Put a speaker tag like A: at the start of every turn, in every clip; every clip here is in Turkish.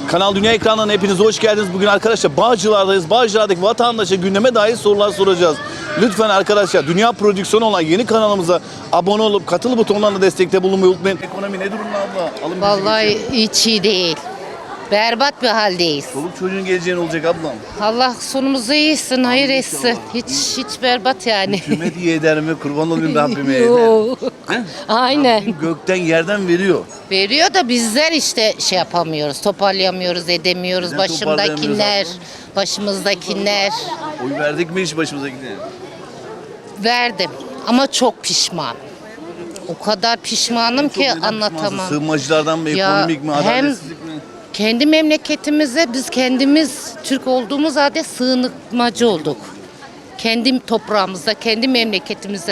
A: Kanal Dünya ekranlarına hepiniz hoş geldiniz. Bugün arkadaşlar Bağcılar'dayız. Bağcılar'daki vatandaşa gündeme dair sorular soracağız. Lütfen arkadaşlar Dünya Prodüksiyonu olan yeni kanalımıza abone olup katıl butonlarına destekte bulunmayı unutmayın. Ekonomi ne durumda abla? Alım
B: Vallahi hiç iyi değil. Berbat bir haldeyiz.
A: Çoluk çocuğun geleceğin olacak ablam.
B: Allah sonumuzu iyisin, hayır etsin. Hiç berbat yani.
A: Hükümet iyi eder mi? Kurban olayım Rabbime eder.
B: Yok. Aynen.
A: Rabbim gökten yerden veriyor.
B: Veriyor da bizler işte şey yapamıyoruz, toparlayamıyoruz, edemiyoruz.
A: Neden
B: Başımdakiler,
A: toparlayamıyoruz
B: başımızdakiler.
A: Oy verdik mi hiç başımızdakine?
B: Verdim ama çok pişman. O kadar pişmanım ki anlatamam.
A: Sığınmacılardan mı,
B: Ya
A: ekonomik mi,
B: hem-
A: adaletsizlik mi?
B: Kendi memleketimize biz kendimiz Türk olduğumuz halde sığınmacı olduk. Kendi toprağımızda, kendi memleketimize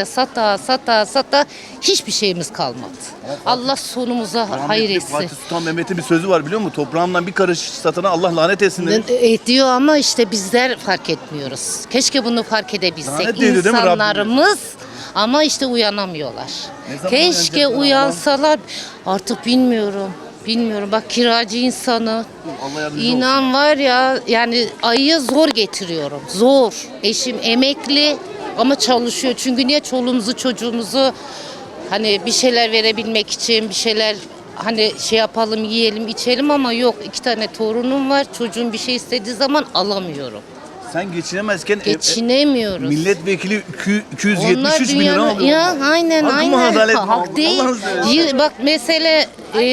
B: sata hiçbir şeyimiz kalmadı. Allah sonumuza hayır
A: Rahmetli
B: etsin.
A: Fatih Sultan Mehmet'in bir sözü var biliyor musun? Toprağımdan bir karış satana Allah lanet etsin demiş.
B: Ediyor ama işte bizler fark etmiyoruz. Keşke bunu fark edebilsek.
A: Lanet ediyor değil mi Rabbim?
B: İnsanlarımız ama işte uyanamıyorlar.
A: Ne zaman
B: Keşke
A: uyanacaklar
B: uyansalar. Artık bilmiyorum. Bilmiyorum. Bak kiracı insanı.
A: Allah yardımcı olsun.
B: İnan var ya yani ayı zor getiriyorum. Zor. Eşim emekli ama çalışıyor. Çünkü niye çoluğumuzu çocuğumuzu hani bir şeyler verebilmek için bir şeyler hani şey yapalım yiyelim içelim ama yok 2 tane torunum var. Çocuğum bir şey istediği zaman alamıyorum.
A: Sen geçinemezken
B: Geçinemiyoruz.
A: milletvekili
B: Onlar
A: 273 bin lira
B: dünyanın-
A: alıyor.
B: Ya aynen
A: Hak mı,
B: aynen.
A: adalet mi?
B: Hak değil.
A: Allah'ını seversen.
B: Bak mesele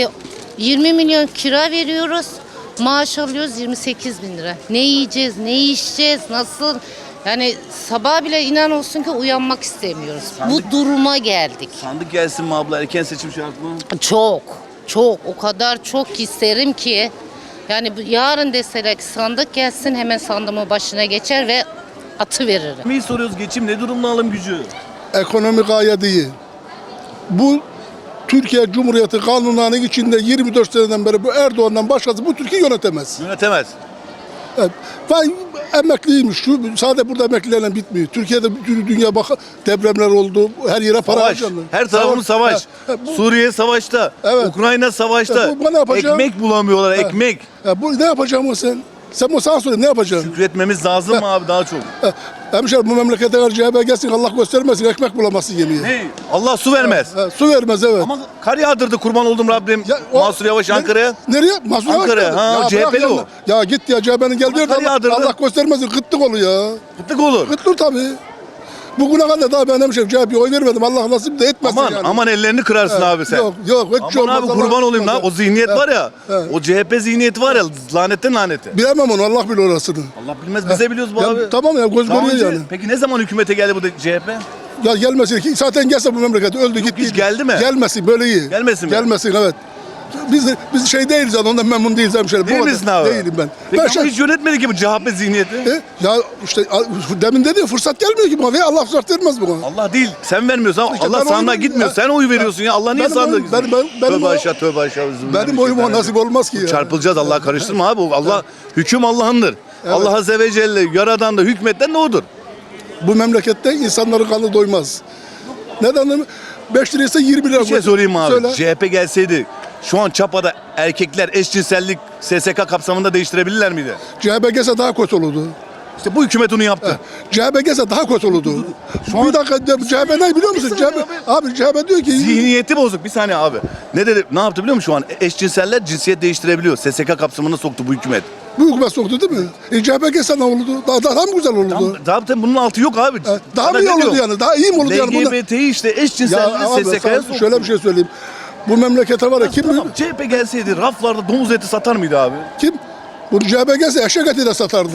B: 20 milyon kira veriyoruz. Maaş alıyoruz 28 bin lira. Ne yiyeceğiz, ne içeceğiz, nasıl? Yani sabah bile inan olsun ki uyanmak istemiyoruz. Bu duruma geldik.
A: Sandık gelsin mi abla? Erken seçim şart mı?
B: Çok o kadar çok isterim ki yani yarın deseler ki sandık gelsin hemen sandığımın başına geçer ve atı veririm.
A: Neyi soruyoruz? Geçim ne durumda, alım gücü?
C: Ekonomi gayet iyi. Bu Türkiye Cumhuriyeti kanunlarının içinde 24 seneden beri bu Erdoğan'dan başkası bu Türkiye yönetemez.
A: Yönetemez.
C: Evet. Vay emekliymiş. Sadece burada emeklilerle bitmiyor. Türkiye'de bütün dünya bak depremler oldu. Her yere para
A: Savaş.
C: harcandı.
A: Her tarafımız savaş.
C: Bu,
A: Suriye savaşta.
C: Evet.
A: Ukrayna savaşta.
C: Bu ne yapacağım?
A: Ekmek bulamıyorlar, ekmek.
C: bu ne yapacağım sen? Sen bu sana söyle ne yapacaksın?
A: Üretmemiz lazım mı abi daha çok?
C: Hemşerim bu memlekete karşı CHP gelsin Allah göstermesin ekmek bulamazsın yemeğe.
A: Ne? Allah su vermez.
C: Su vermez evet.
A: Ama kar yağdırdı kurban oldum Rabbim. Mansur Yavaş Ankara'ya.
C: Nereye? Mansur Yavaş
A: Ankara'ya,
C: geldi.
A: ha,
C: Ya
A: CHP'li
C: bırak
A: o.
C: Ya git ya CHP'nin geldiği yerde
A: kar yağdırdı.
C: Allah göstermesin kıtlık oluyor ya.
A: Kıtlık olur.
C: Kıtlık tabii. Bugüne kadar daha ben hemşerim CHP'ye oy vermedim. Allah nasip de etmesin
A: Aman
C: yani.
A: aman ellerini kırarsın abi sen.
C: Yok hiç
A: Aman
C: olmaz.
A: abi kurban
C: Allah-
A: olayım lan. O zihniyet var ya.
C: Evet.
A: O CHP zihniyeti var ya. Lanetten lanete.
C: Bilemem onu Allah bilir orasını.
A: Allah bilmez bize biliyoruz bu
C: Ya,
A: abi.
C: tamam ya göz
A: Daha
C: görüyor
A: önce-
C: yani.
A: Peki ne zaman hükümete geldi bu CHP?
C: Ya gelmesin ki zaten gelse bu memleket öldü gitti.
A: hiç geldi mi?
C: Gelmesin böyle iyi.
A: Gelmesin mi?
C: Gelmesin evet. Biz şey değiliz yani ondan memnun değiliz hemşerim.
A: Değil
C: Bu
A: misin
C: kadar.
A: abi?
C: Değilim ben.
A: Peki
C: Ben
A: ama hiç yönetmedi ki bu CHP zihniyeti.
C: Ya işte demin dedi ya, fırsat gelmiyor ki bana. Allah fırsat vermez buna.
A: Allah değil. Sen vermiyorsun ama
C: İşte
A: Allah
C: ben
A: sandığa
C: oyum-
A: gitmiyor.
C: ya-
A: Sen oy veriyorsun ya. Allah niye
C: Benim
A: sandığa
C: oyum-
A: gitmiyor?
C: benim
A: Tövbe
C: o-
A: aşağı tövbe aşağı.
C: Benim oyuma nasip olmaz ki ya.
A: Çarpılacağız Allah'a karıştırma abi. Allah hüküm Allah'ındır. Allah Azze ve Celle yaradan da hükmetten ne odur?
C: Bu memlekette insanların kanı doymaz. Neden? 5 liraysa 20 lira.
A: Bir şey sorayım abi.
C: Söyle.
A: CHP gelseydi şu an Çapa'da erkekler eşcinsellik SSK kapsamında değiştirebilirler miydi?
C: CHP gelse daha kötü olurdu.
A: İşte bu hükümet onu yaptı.
C: CHP gelse daha kötü olurdu. Bir dakika CHP ne biliyor musun?
A: saniye
C: Abi CHP diyor ki
A: Zihniyeti bozuk. Bir saniye abi. Ne dedi? Ne yaptı biliyor musun şu an? Eşcinseller cinsiyet değiştirebiliyor. SSK kapsamına soktu bu hükümet.
C: bu hükümet soktu değil mi? CHP gelse ne olurdu? Daha mı güzel olurdu?
A: Zaten bunun altı yok abi.
C: Daha
A: Sana
C: mı iyi
A: ne
C: olurdu
A: diyor?
C: yani? Daha iyi mi olurdu yani?
A: LGBT'yi işte
C: Ya
A: eşcinselliği
C: abi
A: SSK'ya
C: sana
A: soktu.
C: şöyle bir şey söyleyeyim. Bu memlekete var ya kim
A: Tamam, CHP gelseydi raflarda domuz eti satar mıydı abi?
C: kim? Bu CHP gelse eşek eti de satardı.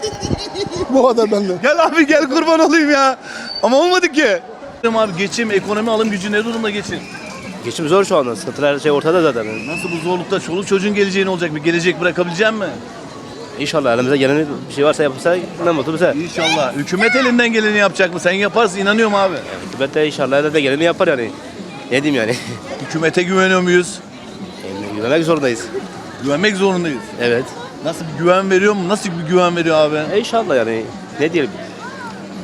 C: Bu kadar benden.
A: Gel abi gel kurban olayım ya. Ama olmadı ki. Abi geçim, ekonomi, alım gücü ne durumda geçin?
D: Geçim zor şu anda. Sıkıntılar ortada zaten.
A: Nasıl bu zorlukta çoluk çocuğun geleceği ne olacak? Bir gelecek bırakabilecek mi?
D: İnşallah elimize gelen bir şey varsa yapılsa ne mutlu bize.
A: İnşallah. Hükümet elinden geleni yapacak mı? Sen yaparsın inanıyorum abi.
D: Hükümet de inşallah elinde geleni yapar yani. Ne diyeyim yani?
A: Hükümete güveniyor muyuz?
D: Yani güvenmek zorundayız.
A: Güvenmek zorundayız.
D: Evet.
A: Nasıl bir güven veriyor mu? Nasıl bir güven veriyor abi?
D: İnşallah yani. Ne diyelim?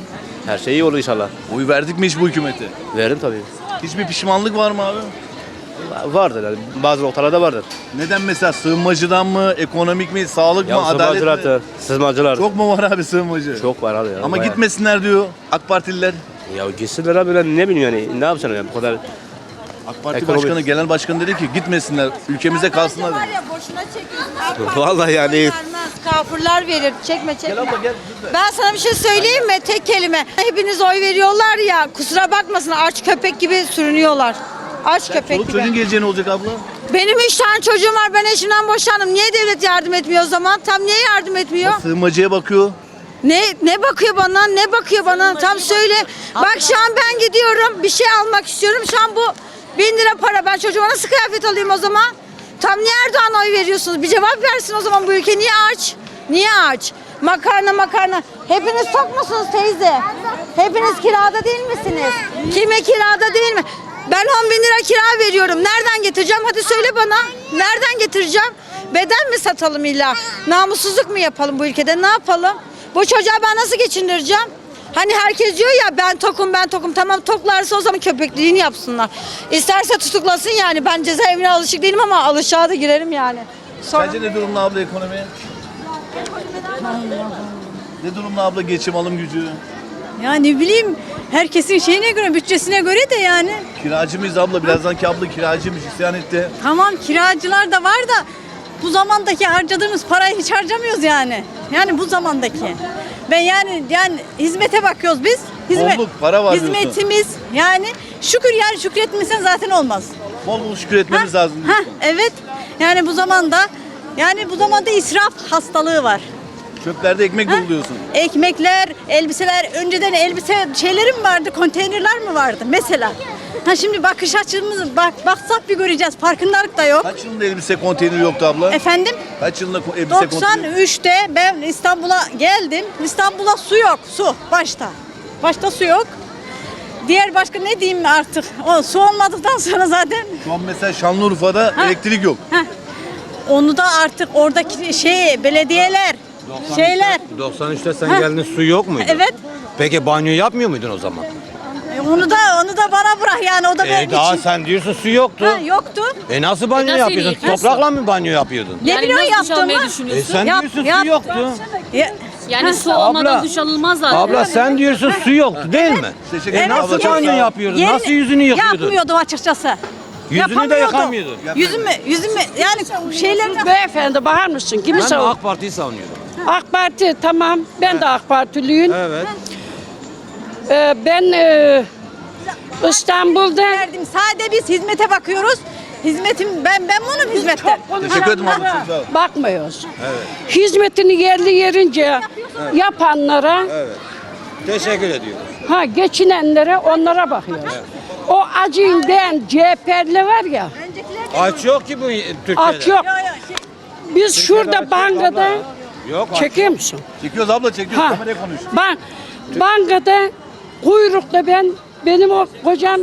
D: Her şey iyi olur inşallah.
A: Oy verdik mi hiç bu hükümete?
D: Veririm tabii.
A: Hiçbir pişmanlık var mı abi?
D: Vardır yani. Bazı noktalarda vardır.
A: Neden mesela sığınmacıdan mı, ekonomik mi, sağlık mı, adalet mi?
D: Sızmacılar.
A: Çok mu var abi sığınmacı?
D: Çok var abi ya.
A: Ama
D: bayağı.
A: gitmesinler diyor AK Partililer.
D: Ya gitsinler abi, ben ne bileyim yani. Ne yapacaksın yani bu kadar.
A: AK Parti
D: Ekonomik.
A: Başkanı, genel başkan dedi ki gitmesinler, ülkemizde kalsınlar
E: Var
A: dedi.
E: ya boşuna çekiyorsun.
D: Vallahi yani.
E: Vermez, kafirler verir. Çekme çekme.
A: Gel abla gel. lütfen.
E: Ben sana bir şey söyleyeyim mi? Tek kelime. Hepiniz oy veriyorlar ya. Kusura bakmasın, aç köpek gibi sürünüyorlar. Aç köpek
A: Çoluk
E: gibi.
A: çocuğun geleceği ne olacak abla?
E: Benim 3 tane çocuğum var. Ben eşimden boşandım. Niye devlet yardım etmiyor o zaman? Tam niye yardım etmiyor?
A: Sığınmacıya bakıyor.
E: Ne bakıyor bana? Ne bakıyor bana? Tam söyle. Bak şu an ben gidiyorum. Bir şey almak istiyorum. Şu an bu 1000 lira para. Ben çocuğuma nasıl kıyafet alayım o zaman? Tam niye Erdoğan'a oy veriyorsunuz? Bir cevap versin o zaman, bu ülke niye aç? Niye aç? Makarna. Hepiniz tok musunuz teyze? Hepiniz kirada değil misiniz? Kime kirada değil mi? Ben 10 bin lira kira veriyorum. Nereden getireceğim? Hadi söyle bana. Nereden getireceğim? Beden mi satalım illa? Namussuzluk mu yapalım bu ülkede? Ne yapalım? Bu çocuğa ben nasıl geçindireceğim? Hani herkes diyor ya ben tokum. Tamam, toklarsa o zaman köpekliğini yapsınlar. İsterse tutuklasın yani. Ben cezaevine alışık değilim ama alışığa da girerim yani. Sonra...
A: Sence ne durumda abla ekonomi? Ne durumda abla geçim alım gücü?
F: Ya ne bileyim, herkesin şeyine göre, bütçesine göre de yani.
A: Kiracı mıyız abla? Birazdanki abla kiracıymış, isyan etti.
F: Tamam, kiracılar da var da bu zamandaki harcadığımız parayı hiç harcamıyoruz yani. Yani bu zamandaki. Ben yani hizmete bakıyoruz biz.
A: Bolluk, para var diyorsun.
F: Hizmetimiz yani şükretmesen zaten olmaz.
A: Bol bol şükür etmemiz lazım
F: Ha,
A: diyorsun.
F: evet. Yani bu zamanda israf hastalığı var.
A: Çöplerde ekmek
F: Ha?
A: dolu diyorsun.
F: Ekmekler, elbiseler, önceden elbise şeyleri mi vardı, konteynerler mi vardı mesela? Ha şimdi bakış açımızı baksak bir göreceğiz. Farkındalık da yok.
A: Kaç yılında elbise konteyneri yoktu abla?
F: Efendim?
A: Kaç yılında elbise konteyneri?
F: 93'te ben İstanbul'a geldim. İstanbul'a su yok, su başta. Başta su yok. Diğer başka ne diyeyim artık? O su olmadıktan sonra zaten
A: Şu an mesela Şanlıurfa'da elektrik yok.
F: onu da artık oradaki belediyeler, şeyler.
G: 93'te sen geldin, su yok muydu?
F: Evet.
G: Peki banyo yapmıyor muydun o zaman?
F: Onu da bana bırak yani, o da benim
G: Daha
F: için.
G: sen diyorsun su yoktu.
F: Ha, yoktu.
G: Nasıl banyo
H: nasıl
G: yapıyordun?
H: yıkarsın?
G: Toprakla mı banyo yapıyordun?
F: Ne
H: Yani
F: biliyorsun
H: nasıl duş almayı
F: yaptığımı?
H: düşünüyorsun?
G: Sen
F: Yap-
G: diyorsun
F: yap-
G: su yoktu.
H: Yani su olmadan
G: Abla,
H: duş alınmaz zaten.
G: Abla sen diyorsun su yoktu değil mi?
A: Teşekkür ederim abla.
G: Nasıl
A: Çok
G: banyo
A: sağ ol.
G: yapıyordun?
F: Yerini
G: Nasıl yüzünü yıkıyordun?
F: Yapmıyordum açıkçası.
G: Yüzünü de
F: Yapamıyordum.
G: yıkamıyordun.
F: Yüzümü yani şeylerini
I: Beyefendi bakar mısın? Kimi
G: Ben de
I: savun?
G: AK Parti'yi savunuyorum.
I: AK Parti tamam. Ben de AK Partiliyim.
G: Evet.
I: Ben İstanbul'da
F: verdim. Sadece biz hizmete bakıyoruz. Ben bunun hizmette.
A: Teşekkür ederim abla. Çok sağ ol.
I: bakmıyoruz. Hizmetini yerli yerince yapanlara,
G: Teşekkür ediyorum.
I: geçinenlere, onlara bakıyoruz. O acıyla CHP'li var ya,
G: Aç yok ki bu Türkiye'de.
I: aç yok. Biz şurada bankada,
G: Yok.
I: çekiyor musun?
A: Çekiyoruz abla çekiyoruz.
I: Ha.
A: Kameraya konuş.
I: Bankada kuyrukta benim o kocam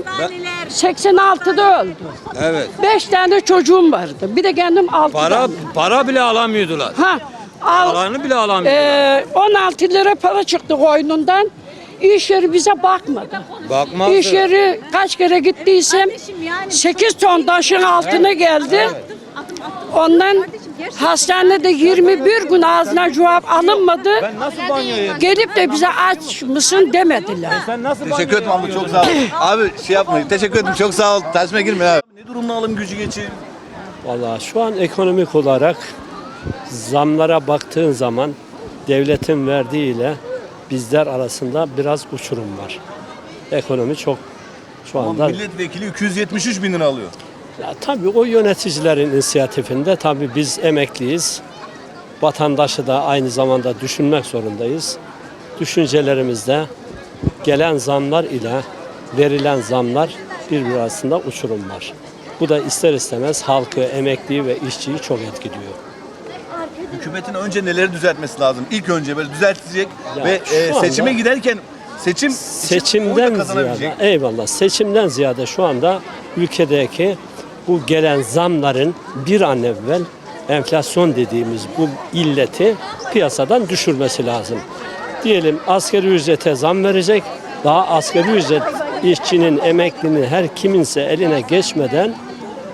I: 86'da öldü.
G: Evet.
I: 5 tane çocuğum vardı. Bir de kendim 6
G: Para bile alamıyordular. Paranı bile alamıyordular.
I: 16 lira para çıktı koynundan. İş yeri bize bakmadı.
G: Bakmazdı.
I: İş yeri kaç kere gittiysem 8 ton taşın altına geldi. Ondan hastanede 21 gün ağzına cevap alınmadı.
G: Ben nasıl banyo yapayım?
I: Gelip de bize aç mısın demediler.
G: Sen nasıl
A: Teşekkür ederim abla, çok sağ ol. Abi şey yapmayın. Teşekkür ederim, çok sağ ol. Tersime girme abi. Ne durumda alım gücü geçim?
J: Vallahi şu an ekonomik olarak zamlara baktığın zaman devletin verdiğiyle bizler arasında biraz uçurum var. Ekonomi çok şu
A: Ama
J: anda...
A: milletvekili 273 bin lira alıyor.
J: Ya tabii o yöneticilerin inisiyatifinde tabii biz emekliyiz. Vatandaşı da aynı zamanda düşünmek zorundayız. Düşüncelerimizde gelen zamlar ile verilen zamlar birbiri arasında uçurum var. Bu da ister istemez halkı, emekliyi ve işçiyi çok etkiliyor.
A: Hükümetin önce neleri düzeltmesi lazım? İlk önce böyle düzeltecek
J: Ya
A: ve
J: şu anda-
A: seçime giderken seçim için oy da
J: Seçimden
A: kazanabilecek.
J: ziyade, eyvallah, seçimden ziyade şu anda ülkedeki bu gelen zamların bir an evvel enflasyon dediğimiz bu illeti piyasadan düşürmesi lazım. Diyelim asgari ücrete zam verecek, daha asgari ücret işçinin, emeklinin her kiminse eline geçmeden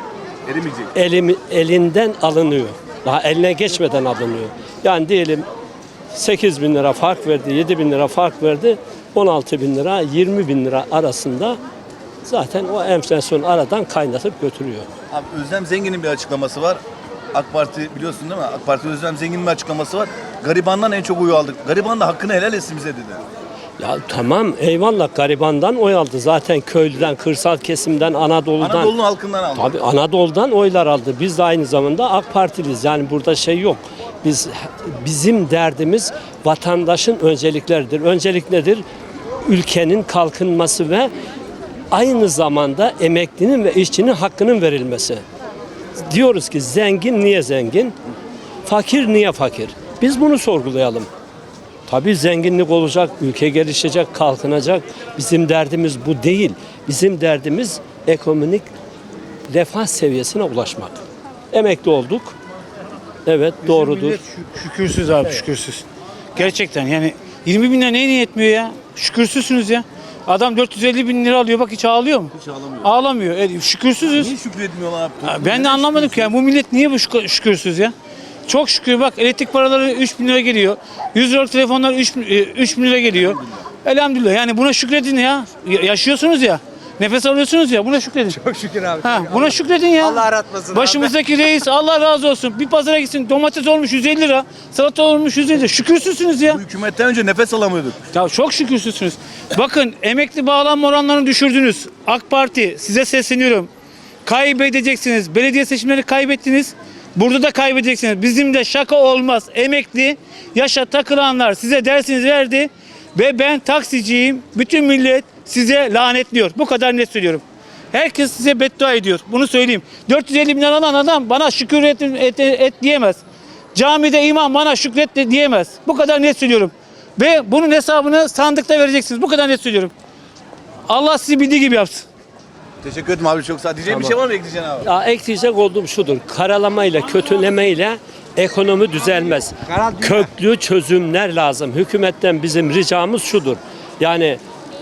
A: Erimeyecek.
J: Elinden alınıyor. Daha eline geçmeden alınıyor. Yani diyelim 8 bin lira fark verdi, 7 bin lira fark verdi, 16 bin lira, 20 bin lira arasında zaten o enflasyon aradan kaynatıp götürüyor.
A: Abi Özlem Zengin'in bir açıklaması var. AK Parti biliyorsun değil mi? AK Parti Özlem Zengin'in bir açıklaması var. Garibandan en çok oyu aldık. Gariban da hakkını helal etsin bize dedi.
J: Ya tamam eyvallah garibandan oy aldı. Zaten köylüden, kırsal kesimden, Anadolu'dan.
A: Anadolu'nun halkından aldı.
J: Tabii Anadolu'dan oylar aldı. Biz de aynı zamanda AK Partiliyiz. Yani burada şey yok. Bizim derdimiz vatandaşın öncelikleridir. Öncelik nedir? Ülkenin kalkınması ve aynı zamanda emeklinin ve işçinin hakkının verilmesi. Diyoruz ki zengin niye zengin? Fakir niye fakir? Biz bunu sorgulayalım. Tabii zenginlik olacak, ülke gelişecek, kalkınacak. Bizim derdimiz bu değil. Bizim derdimiz ekonomik refah seviyesine ulaşmak. Emekli olduk. Evet doğrudur.
K: Şükürsüz abi şükürsüz. Gerçekten yani 20 bin lira neyine yetmiyor ya? Şükürsüzsünüz ya. Adam 450 bin lira alıyor bak hiç ağlıyor mu?
A: Hiç ağlamıyor.
K: Ağlamıyor. Şükürsüzüz.
A: Niye şükretmiyorlar abi?
K: Ben de anlamadım ki ya bu millet niye bu şükürsüz ya? Çok şükür bak elektrik paraları 3 bin lira geliyor. 100 liralık telefonlar 3 bin lira geliyor. Elhamdülillah yani buna şükredin ya. Yaşıyorsunuz ya. Nefes alıyorsunuz ya buna şükredin.
G: Çok şükür abi.
K: Buna şükredin ya.
G: Allah aratmasın
K: Başımızdaki reis Allah razı olsun. Bir pazara gitsin domates olmuş 150 lira. Salata olmuş 150 lira. Şükürsüzsünüz ya.
A: Bu hükümetten önce nefes alamıyorduk.
K: Ya çok şükürsüzsünüz. Bakın emekli bağlanma oranlarını düşürdünüz. AK Parti size sesleniyorum. Kaybedeceksiniz. Belediye seçimleri kaybettiniz. Burada da kaybedeceksiniz. Bizim de şaka olmaz. Emekli yaşa takılanlar size dersiniz verdi. Ve ben taksiciyim. Bütün millet size lanetliyor. Bu kadar net söylüyorum. Herkes size beddua ediyor. Bunu söyleyeyim. 450 bin lira alan adam bana şükür et diyemez. Camide imam bana şükret de diyemez. Bu kadar net söylüyorum. Ve bunun hesabını sandıkta vereceksiniz. Bu kadar net söylüyorum. Allah sizi bildiği gibi yapsın.
A: Teşekkür ederim abi çok sağ ol. Diyeceğim bir şey var mı ekleyeceğin abi?
J: Ya ekleyecek olduğum şudur. Karalamayla, kötülemeyle ekonomi düzelmez. Köklü çözümler lazım. Hükümetten bizim ricamız şudur. Yani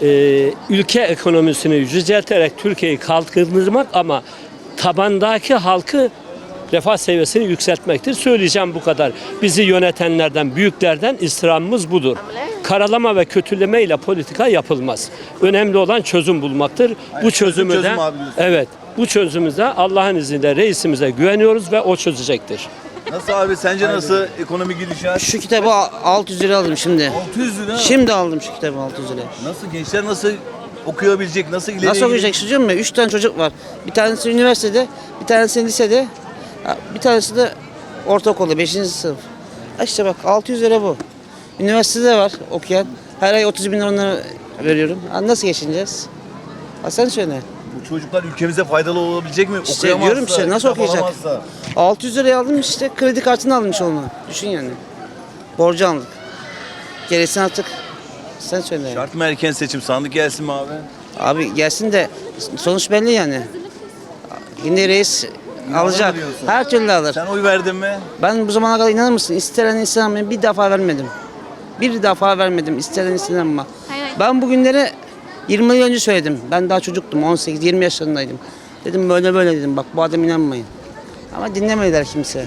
J: ülke ekonomisini yücelterek Türkiye'yi kalkındırmak ama tabandaki halkı refah seviyesini yükseltmektir. Söyleyeceğim bu kadar. Bizi yönetenlerden, büyüklerden istirhamımız budur. Karalama ve kötüleme ile politika yapılmaz. Önemli olan çözüm bulmaktır. Bu çözümü de evet, bu çözümü de Allah'ın izniyle reisimize güveniyoruz ve o çözecektir.
A: Nasıl abi sence nasıl ekonomi gidişat?
L: Şu kitabı 600 lira aldım şimdi.
A: 600 lira.
L: Şimdi aldım şu kitabı 600 lira.
A: Nasıl gençler nasıl okuyabilecek? Nasıl ileriye
L: Nasıl okuyacak çocuğum mu? 3 tane çocuk var. Bir tanesi üniversitede, bir tanesi lisede, bir tanesi de ortaokulda 5. sınıf. İşte bak 600 lira bu. Üniversitede var okuyan. Her ay 30 bin lira onlara veriyorum. Nasıl geçineceğiz? Sen söyle.
A: Bu çocuklar ülkemize faydalı olabilecek mi?
L: İşte diyorum işte nasıl
A: kitap
L: okuyacak?
A: alamazsa.
L: 600 liraya aldım işte kredi kartını almış onu. Düşün yani. Borcu aldık. Gerisini artık sen söyle. Yani.
A: Şart mı erken seçim? Sandık gelsin mi abi?
L: Abi gelsin de sonuç belli yani. Yine reis alacak.
A: diyorsun?
L: Her türlü alır.
A: Sen oy verdin mi?
L: Ben bu zamana kadar inanır mısın? İstenen insan bir defa vermedim. Bir defa vermedim. İstenen insan ama. Ben bugünleri 20 yıl önce söyledim. Ben daha çocuktum. 18-20 yaşlarındaydım. Dedim böyle böyle dedim. Bak bu adam inanmayın. Ama dinlemediler kimse.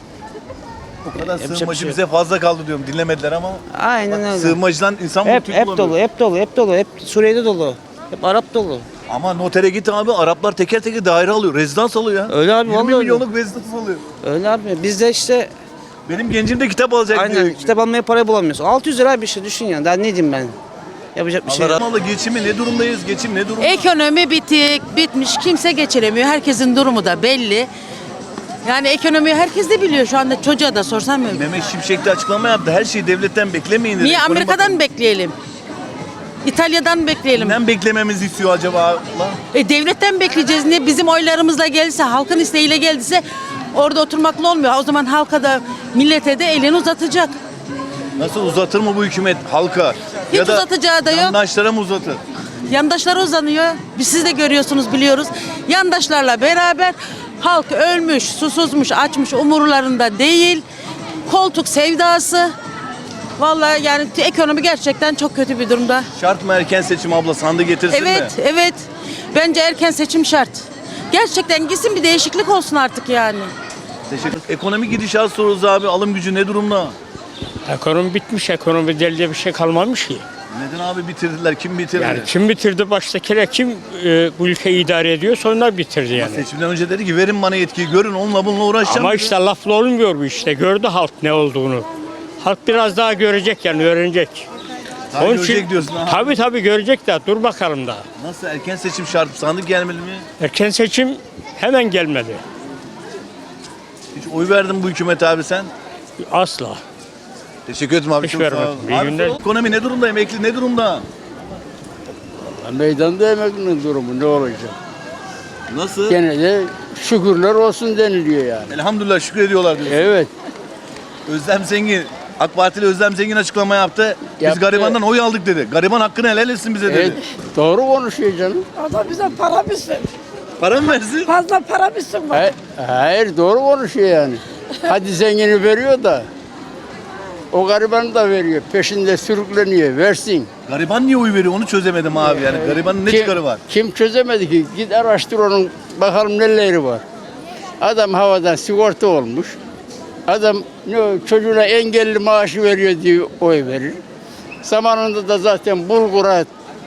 A: O kadar
L: Yapacak
A: sığınmacı
L: bir şey
A: bize fazla kaldı diyorum. Dinlemediler ama.
L: Aynen öyle.
A: Sığınmacıdan insan
L: Hep
A: bulamıyor.
L: dolu. Hep Suriye'de dolu. Hep Arap dolu.
A: Ama notere git abi. Araplar teker teker daire alıyor. Rezidans alıyor ya.
L: Öyle abi
A: 20
L: vallahi öyle.
A: milyonluk rezidans alıyor.
L: Öyle abi. Biz de işte
A: Benim gencim de kitap alacak diyor.
L: aynen kitap almaya para bulamıyoruz. 600 lira bir şey düşün ya. Daha ne diyeyim ben? Yapacak bir şey yok.
A: Allah geçimi ne durumdayız? Geçim ne durumda?
F: Ekonomi bitmiş. Kimse geçiremiyor. Herkesin durumu da belli. Yani ekonomiyi herkes de biliyor. Şu anda çocuğa da sorsam öyle.
A: Mehmet Şimşek de açıklama yaptı. Her şeyi devletten beklemeyin dedi.
F: Niye
A: Ekonomi
F: Amerika'dan mı bekleyelim? İtalya'dan mı bekleyelim?
A: Kimden beklememizi istiyor acaba? Allah?
F: Devletten bekleyeceğiz. Ne bizim oylarımızla gelirse, halkın isteğiyle geldiyse orada oturmakla olmuyor. O zaman halka da millete de elini uzatacak.
A: Nasıl uzatır mı bu hükümet halka?
F: Hiç
A: ya da
F: uzatacağı da yok.
A: yandaşlara mı uzatır?
F: Yandaşlara uzanıyor. Siz de görüyorsunuz, biliyoruz. Yandaşlarla beraber halk ölmüş, susuzmuş, açmış, umurlarında değil. Koltuk sevdası. Vallahi yani ekonomi gerçekten çok kötü bir durumda.
A: Şart mı erken seçim abla? Sandık getirsin mi?
F: Evet. Bence erken seçim şart. Gerçekten gitsin, bir değişiklik olsun artık yani.
A: Teşekkür. Ekonomi gidişat soruyoruz abi. Alım gücü ne durumda?
K: Ekonomi bitmiş, ekonomi delde bir şey kalmamış ki.
A: Neden abi bitirdiler? Kim bitirdi?
K: Yani kim bitirdi baştakiler, kim bu ülkeyi idare ediyor, sonra bitirdi yani.
A: Seçimden önce dedi ki verin bana yetkiyi, görün onunla bununla uğraşacağım.
K: Ama işte lafla olmuyor bu işte. Gördü halk ne olduğunu. Halk biraz daha görecek yani, öğrenecek.
A: Daha görecek diyorsun ha.
K: Tabii görecek de, dur bakalım daha.
A: Nasıl, erken seçim şart? Sandık gelmeli mi?
K: Erken seçim hemen gelmedi.
A: Hiç oy verdin mi bu hükümete abi sen?
K: Asla.
A: Teşekkür ederim abi.
K: Hiç
A: çok sağ ol.
K: vermedim. İyi
A: Abi,
K: günler.
A: ekonomi ne durumda? Emekli ne durumda?
M: Meydanda emeklinin durumu ne olacak?
A: Nasıl?
M: Gene de şükürler olsun deniliyor yani.
A: Elhamdülillah şükür ediyorlar diyorsun.
M: Evet.
A: Özlem Zengin, AK Partili Özlem Zengin açıklama yaptı. Biz
M: Yaptı.
A: garibandan oy aldık dedi. Gariban hakkını helal etsin bize dedi.
M: Evet. Doğru konuşuyor canım.
I: O da bize para bilsin.
A: Para mı versin?
I: Fazla para bilsin bak.
M: Hayır doğru konuşuyor yani. Hadi zengini veriyor da o garibanı da veriyor. Peşinde sürükleniyor. Versin.
A: Gariban niye oy veriyor onu çözemedim abi yani. Garibanın ne çıkarı var?
M: Kim çözemedi ki? Git araştır onun bakalım neleri var. Adam havadan sigorta olmuş. Adam çocuğuna engelli maaşı veriyor diye oy verir. Zamanında da zaten bulgura,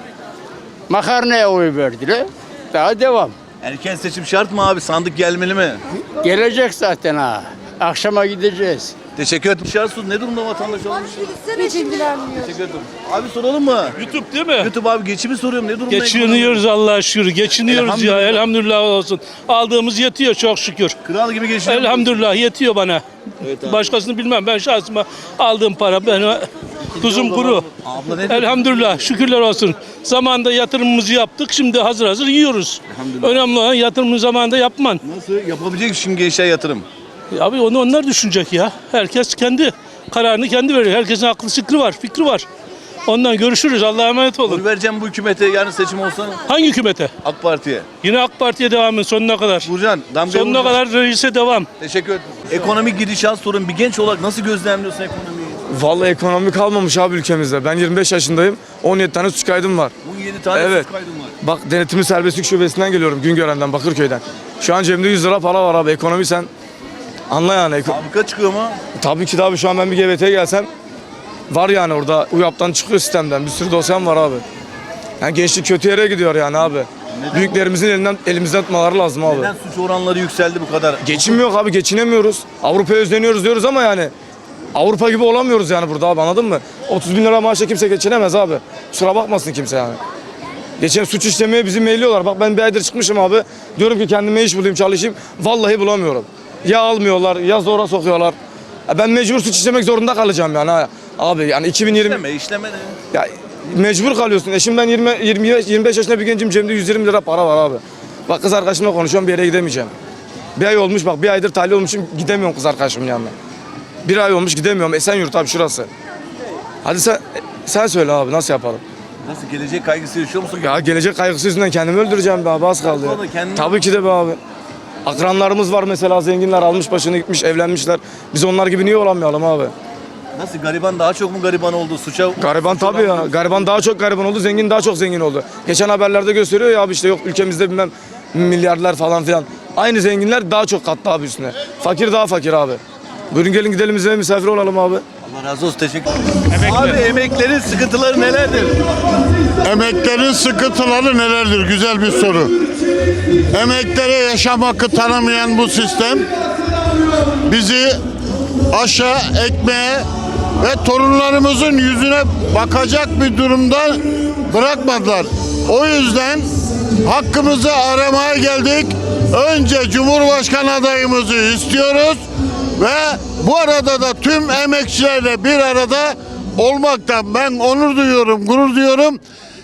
M: makarnaya oy verdiler. Daha devam.
A: Erken seçim şart mı abi? Sandık gelmeli mi?
M: Gelecek zaten ha. Akşama gideceğiz.
A: Teşekkür ederim. Dışarısı ne durumda vatandaş olmuş?
I: Hiç ilgilenmiyor.
A: Teşekkür ederim. Abi soralım mı?
K: YouTube değil mi?
A: YouTube abi geçimi soruyorum. Ne durumda?
K: Geçiniyoruz Allah'a şükür. Geçiniyoruz ya. Elhamdülillah olsun. Aldığımız yetiyor çok şükür.
A: Kral gibi geçiniyor.
K: Elhamdülillah yetiyor bana.
A: Evet abi.
K: Başkasını bilmem. Ben şahsıma aldığım para benim tuzum kuru.
A: Abla ne
K: Elhamdülillah şükürler olsun. Zamanında yatırımımızı yaptık. Şimdi hazır yiyoruz.
A: Elhamdülillah.
K: Önemli olan yatırımı zamanında yapman.
A: Nasıl? Yapabilecek şimdi gençler yatırım.
K: Abi onu onlar düşünecek ya. Herkes kendi kararını kendi veriyor. Herkesin aklı fikri var. Ondan görüşürüz. Allah'a emanet olun.
A: Oy vereceğim bu hükümete yarın seçim olsa
K: Hangi hükümete?
A: AK Parti'ye.
K: Yine AK Parti'ye devamın sonuna kadar.
A: Vuracaksın. Damgayı
K: Sonuna
A: vuracaksın.
K: kadar reise devam.
A: Teşekkür ederim. Ekonomik gidişat sorun. Bir genç olarak nasıl gözlemliyorsun ekonomiyi?
N: Vallahi ekonomi kalmamış abi ülkemizde. Ben 25 yaşındayım. 17 tane suç kaydım var.
A: 17 tane
N: Evet.
A: suç kaydım var.
N: Bak denetimi serbestlik şubesinden geliyorum. Güngören'den, Bakırköy'den. Şu an cebimde 100 lira para var abi. Ekonomi sen anla yani.
A: Fabrika çıkıyor mu?
N: Tabii ki de abi şu an ben bir GBT'ye gelsem var yani orada UYAP'tan çıkıyor sistemden. Bir sürü dosyam var abi. Yani gençlik kötü yere gidiyor yani abi. Büyüklerimizin elimizden tutmaları lazım abi.
A: Neden suç oranları yükseldi bu kadar?
N: Geçim yok abi, geçinemiyoruz. Avrupa'ya özleniyoruz diyoruz ama yani Avrupa gibi olamıyoruz yani burada abi, anladın mı? 30 bin lira maaşla kimse geçinemez abi. Kusura bakmasın kimse yani. Geçen suç işlemeye bizi meyliyorlar. Bak ben bir aydır çıkmışım abi. Diyorum ki kendime iş bulayım, çalışayım. Vallahi bulamıyorum. Ya almıyorlar ya zora sokuyorlar. Ben mecbur suç işlemek zorunda kalacağım yani ha. Abi yani 2020...
A: İşleme de.
N: Ya mecbur kalıyorsun. Eşim ben 25 yaşında bir gencim, cebimde 120 lira para var abi. Bak kız arkadaşımla konuşuyorum, bir yere gidemeyeceğim. Bir ay olmuş bak, bir aydır tahliye olmuşum, gidemiyorum kız arkadaşımın yanına. Bir ay olmuş gidemiyorum. Esenyurt abi şurası. Hadi sen söyle abi, nasıl yapalım?
A: Nasıl, gelecek kaygısı yaşıyor musun?
N: Ya gelecek kaygısı yüzünden kendimi öldüreceğim be abi, az kaldı ya.
A: Kendini...
N: Tabii ki de be abi. Akranlarımız var mesela, zenginler almış başını gitmiş, evlenmişler. Biz onlar gibi niye olamayalım abi?
A: Nasıl, gariban daha çok mu gariban oldu?
N: Gariban tabii ya. Gariban daha çok gariban oldu, zengin daha çok zengin oldu. Geçen haberlerde gösteriyor ya abi, işte yok ülkemizde bilmem milyarlar falan filan. Aynı zenginler daha çok kattı abi üstüne. Fakir daha fakir abi. Buyurun gelin gidelim bize misafir olalım abi.
A: Allah razı olsun, teşekkür ederim. Abi emeklerin sıkıntıları nelerdir?
O: Emeklerin sıkıntıları nelerdir? Güzel bir soru. Emeklere yaşam hakkı tanımayan bu sistem bizi aşağı ekmeğe ve torunlarımızın yüzüne bakacak bir durumda bırakmadılar. O yüzden hakkımızı aramaya geldik. Önce Cumhurbaşkanı adayımızı istiyoruz ve bu arada da tüm emekçilerle bir arada olmaktan ben onur duyuyorum, gurur duyuyorum.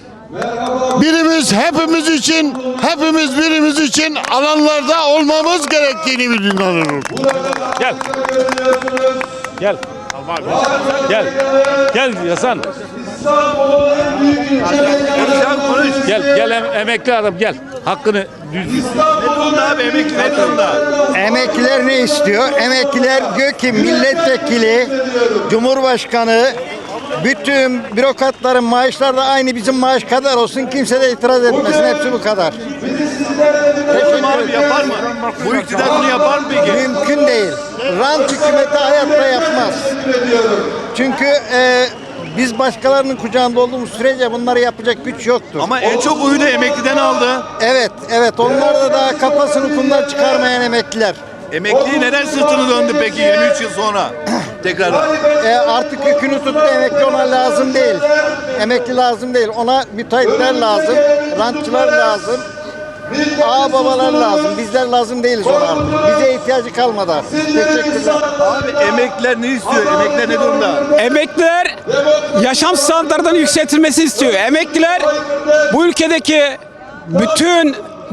O: Birimiz hepimiz için, hepimiz birimiz için alanlarda olmamız gerektiğini biliyorum.
K: Gel. Gel. Gel. Gel Hasan. Gel emekli adam gel. Hakkını düz.
A: Ne durumda abi, emekli ne durumda?
P: Emekliler ne istiyor? Emekliler diyor ki milletvekili, cumhurbaşkanı Bütün bürokratların maaşları da aynı bizim maaş kadar olsun. Kimse de itiraz etmesin. Hepsi bu kadar.
A: Abi yapar mı? Bu iktidar bunu yapar mı peki?
P: Mümkün değil. Rant hükümeti hayatta yapmaz. Çünkü biz başkalarının kucağında olduğumuz sürece bunları yapacak güç yoktur.
A: Ama en çok oyu da emekliden aldı.
P: Evet. Onlar da daha kafasını kumdan çıkarmayan emekliler.
A: Emekliyi neden sırtını döndü peki 23 yıl sonra? Tekrar.
P: Artık yükünü tuttu, emekli ona lazım değil. Emekli lazım değil. Ona müteahhitler lazım, rantçılar lazım. Babalar lazım. Bizler lazım değiliz ona artık. Bize ihtiyacı kalmadı artık. Teşekkürler.
A: Abi emekliler ne istiyor? Emekliler ne durumda?
K: Emekliler yaşam standartlarının yükseltilmesini istiyor. Emekliler bu ülkedeki bütün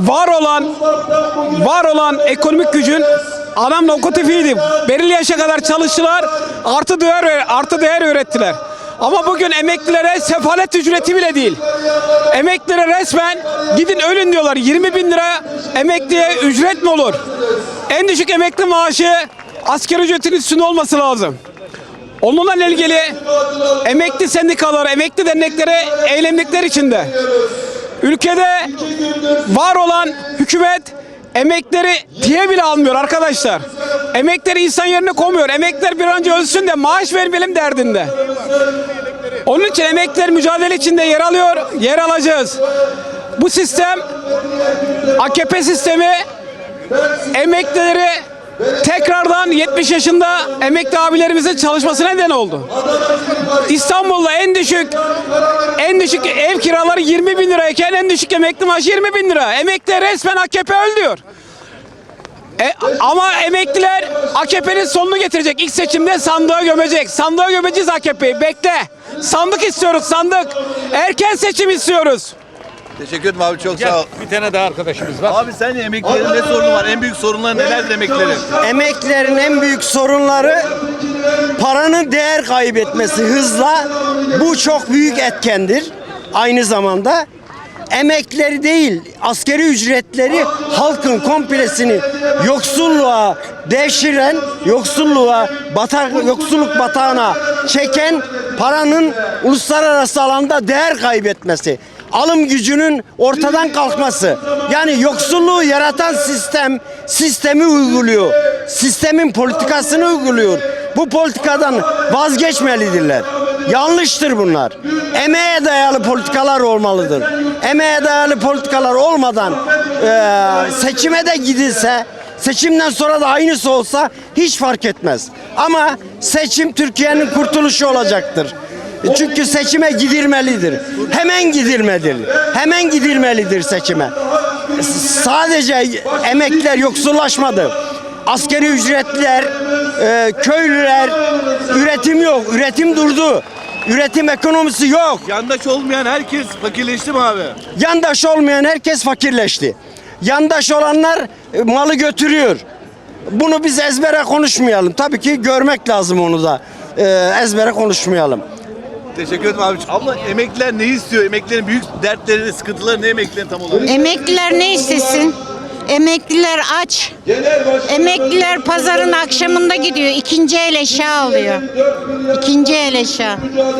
K: var olan ekonomik gücün adam lokomotifiydi. Belirli yaşa kadar çalıştılar, artı değer ürettiler. Ama bugün emeklilere sefalet ücreti bile değil. Emeklilere resmen gidin ölün diyorlar. 20 bin lira emekliye ücret mi olur? En düşük emekli maaşı asgari ücretin üstünde olması lazım. Onunla ilgili emekli sendikaları, emekli dernekleri eylemlikler içinde. Ülkede var olan hükümet emekleri diye bile almıyor arkadaşlar. Emekleri insan yerine koymuyor. Emekliler bir an önce ölsün de maaş vermeyelim derdinde. Onun için emekliler mücadele içinde yer alacağız. Bu sistem, AKP sistemi emeklileri tekrardan 70 yaşında emekli abilerimizin çalışmasına neden oldu. İstanbul'da en düşük ev kiraları 20 bin lirayken en düşük emekli maaşı 20 bin lira. Emekliler resmen AKP öldürüyor. Ama emekliler AKP'nin sonunu getirecek. İlk seçimde sandığa gömecek. Sandığa gömeceğiz AKP'yi. Bekle. Sandık istiyoruz, sandık. Erken seçim istiyoruz.
A: Teşekkür ederim abi, çok sağ ol.
G: Bir tane daha arkadaşımız var.
A: Abi sen emeklilerin ne sorunu var? En büyük sorunları neler emeklilerin?
P: Emeklilerin en büyük sorunları paranın değer kaybetmesi hızla. Bu çok büyük etkendir. Aynı zamanda emeklileri değil, asgari ücretleri halkın komplesini yoksulluğa devşiren, yoksulluk batağına çeken paranın uluslararası alanda değer kaybetmesi. Alım gücünün ortadan kalkması. Yani yoksulluğu yaratan sistemi uyguluyor. Sistemin politikasını uyguluyor. Bu politikadan vazgeçmelidirler. Yanlıştır bunlar. Emeğe dayalı politikalar olmalıdır. Emeğe dayalı politikalar olmadan seçime de gidilse, seçimden sonra da aynısı olsa hiç fark etmez. Ama seçim Türkiye'nin kurtuluşu olacaktır. Çünkü seçime gidilmelidir. Hemen gidilmelidir seçime. Sadece emekliler yoksullaşmadı. Asgari ücretliler, köylüler, üretim yok. Üretim durdu. Üretim ekonomisi yok.
A: Yandaş olmayan herkes fakirleşti mi abi?
P: Yandaş olmayan herkes fakirleşti. Yandaş olanlar malı götürüyor. Bunu biz ezbere konuşmayalım. Tabii ki görmek lazım onu da. Ezbere konuşmayalım.
A: Teşekkür ederim abi. Abla emekliler ne istiyor? Emeklilerin büyük dertleri, sıkıntıları ne emeklilerin tam olarak?
E: Emekliler ne istesin? Emekliler aç. Emekliler pazarın akşamında gidiyor. İkinci el eşya alıyor. İkinci el eşya.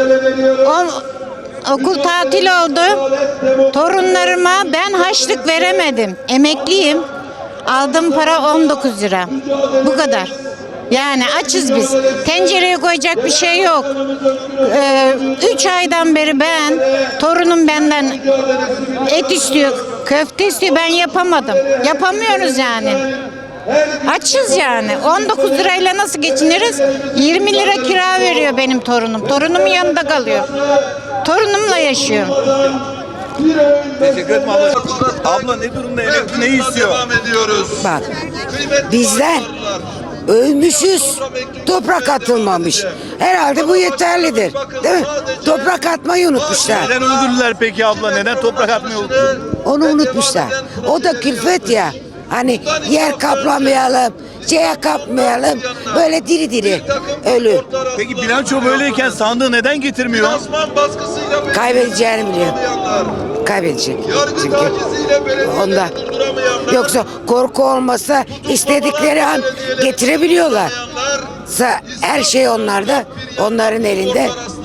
E: Okul tatil oldu. Torunlarıma ben harçlık veremedim. Emekliyim. Aldığım para 19 lira. Bu kadar. Yani açız biz. Tencereye koyacak bir şey yok. 3 aydan beri torunum benden et istiyor, köfte istiyor. Ben yapamadım. Yapamıyoruz yani. Açız yani. 19 lirayla nasıl geçiniriz? 20 lira kira veriyor benim torunum. Torunumun yanında kalıyor. Torunumla yaşıyor.
A: Teşekkür ederim abla. Abla ne durumda, emekli ne istiyor?
Q: Bak, bizler ölmüşüz, toprak atılmamış. Herhalde bu yeterlidir, değil mi? Toprak atmayı unutmuşlar.
A: Neden öldürdüler peki abla? Neden toprak atmayı unuttular?
Q: Onu unutmuşlar. O da külfet ya. Hani yer kaplamayalım, kapmayalım. Böyle diri diri ölür.
A: Peki bilanço böyleyken sandığı neden getirmiyor?
Q: Kaybedeceğini biliyor. Kaybedecek. Çünkü onda. Yoksa korku olmasa istedikleri an getirebiliyorlar. Her şey onlarda, onların elinde.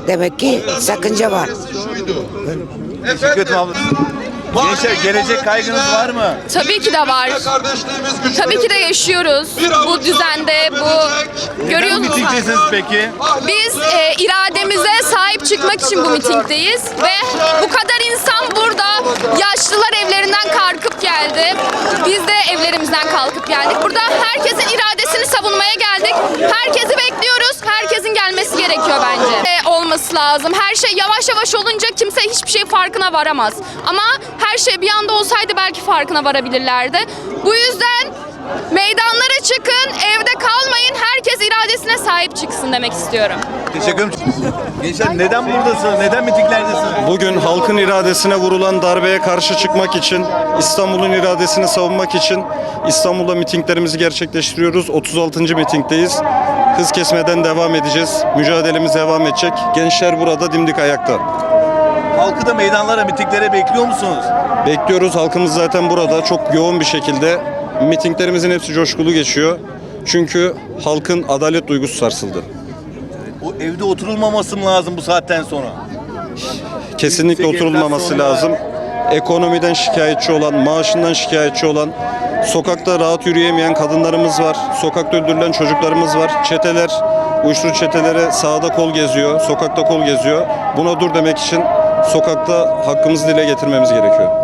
Q: Demek ki sakınca var.
A: Teşekkür ederim abla. Gençler, gelecek kaygınız var mı?
H: Tabii ki de var. Tabii ki de yaşıyoruz. Bu düzende,
A: Neden
H: görüyorsunuz.
A: mitingdesiniz peki?
H: Biz irademize sahip çıkmak için bu mitingdeyiz ve bu kadar insan burada. Yaşlılar evlerinden kalkıp geldi. Biz de evlerimizden kalkıp geldik. Burada herkesin iradesini savunmaya geldik. Herkesi bekliyoruz. Herkesin gelmesi gerekiyor bence. Olması lazım. Her şey yavaş yavaş olunca kimse hiçbir şey farkına varamaz. Ama her şey bir anda olsaydı belki farkına varabilirlerdi. Bu yüzden meydanlara çıkın, evde kalmayın. Herkes iradesine sahip çıksın demek istiyorum.
A: Teşekkür ederim. Gençler, neden buradasınız? Neden mitinglerdesiniz?
R: Bugün halkın iradesine vurulan darbeye karşı çıkmak için, İstanbul'un iradesini savunmak için İstanbul'da mitinglerimizi gerçekleştiriyoruz. 36. mitingdeyiz. Hız kesmeden devam edeceğiz. Mücadelemiz devam edecek. Gençler burada dimdik ayakta.
A: Halkı da meydanlara, mitinglere bekliyor musunuz?
R: Bekliyoruz. Halkımız zaten burada çok yoğun bir şekilde. Mitinglerimizin hepsi coşkulu geçiyor. Çünkü halkın adalet duygusu sarsıldı.
A: O evde oturulmaması mı lazım bu saatten sonra?
R: Kesinlikle oturulmaması lazım. Ekonomiden şikayetçi olan, maaşından şikayetçi olan, sokakta rahat yürüyemeyen kadınlarımız var. Sokakta öldürülen çocuklarımız var. Çeteler, uyuşturucu çeteleri sağda kol geziyor, sokakta kol geziyor. Buna dur demek için sokakta hakkımızı dile getirmemiz gerekiyor.